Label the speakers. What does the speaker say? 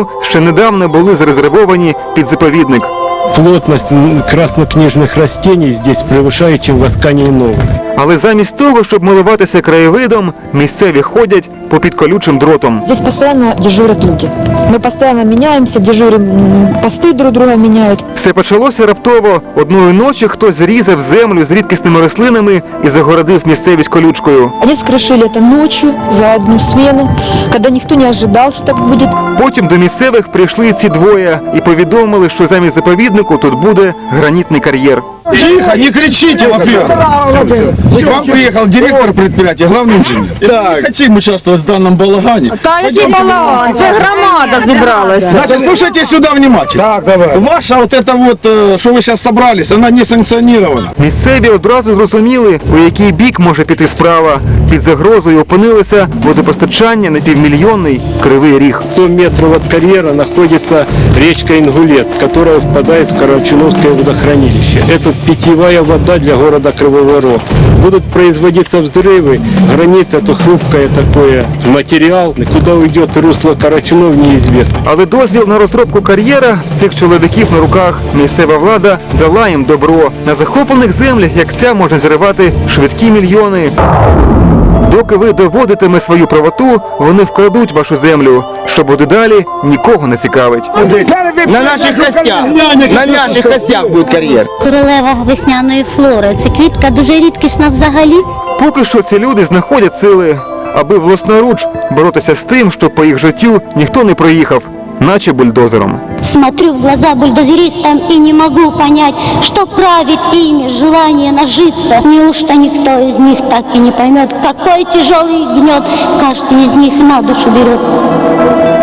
Speaker 1: району ще недавно були зарезервовані під заповідник.
Speaker 2: Плотность краснокнижных растений здесь превышает, чем в Аскании Новой.
Speaker 1: Але замість того, щоб милуватися краєвидом, місцеві ходять попід колючим дротом.
Speaker 3: Здесь постоянно дежурят люди. Мы постоянно меняемся, дежурим, посты друг друга меняют.
Speaker 1: Все почалося раптово. Одної ночі хтось зрізав землю з рідкісними рослинами і загородив місцевість колючкою.
Speaker 3: Они вскрышили это ночью за одну смену, когда никто не ожидал, что так будет.
Speaker 1: Потім до місцевих прийшли ці двоє і повідомили, що замість заповіднику тут буде гранітний кар'єр.
Speaker 4: Тихо, не кричите, во-первых. К вам приехал директор предприятия, главный инженер. Не хотим участвовать в данном балагане.
Speaker 5: Та який балаган, це громада зібралася.
Speaker 4: Значит, слушайте сюда внимательно. Так, давай. Ваша вот это вот, что вы сейчас собрались, она не санкционирована.
Speaker 1: Місцеві одразу зрозуміли, у який бік може піти справа. Під загрозою опинилося водопостачання на півмільйонний Кривий Ріг.
Speaker 2: 100 метров от карьера находится речка Ингулец, которая впадает в Карачуновское водохранилище. Это питьевая вода для города Кривого Рог. Будут производиться взрывы. Гранит – это хрупкое такое материал. Куда уйдет русло Карачунов, неизвестно.
Speaker 1: Але дозвіл на розробку кар'єра в цих чоловіків на руках. Місцева влада дала їм добро. На захоплених землях, як ця, можна зривати швидкі мільйони. Доки ви доводитиме свою правоту, вони вкрадуть вашу землю. Що буде далі, нікого не цікавить.
Speaker 6: На наших костях буде кар'єр.
Speaker 7: Королева весняної флори. Це квітка дуже рідкісна взагалі.
Speaker 1: Поки що ці люди знаходять сили, аби власноруч боротися з тим, що по їх життю ніхто не проїхав, наче бульдозером.
Speaker 7: Смотрю в глаза бульдозеристам и не могу понять, что правит ими желание нажиться. Неужто никто из них так и не поймет, какой тяжелый гнет каждый из них на душу берет.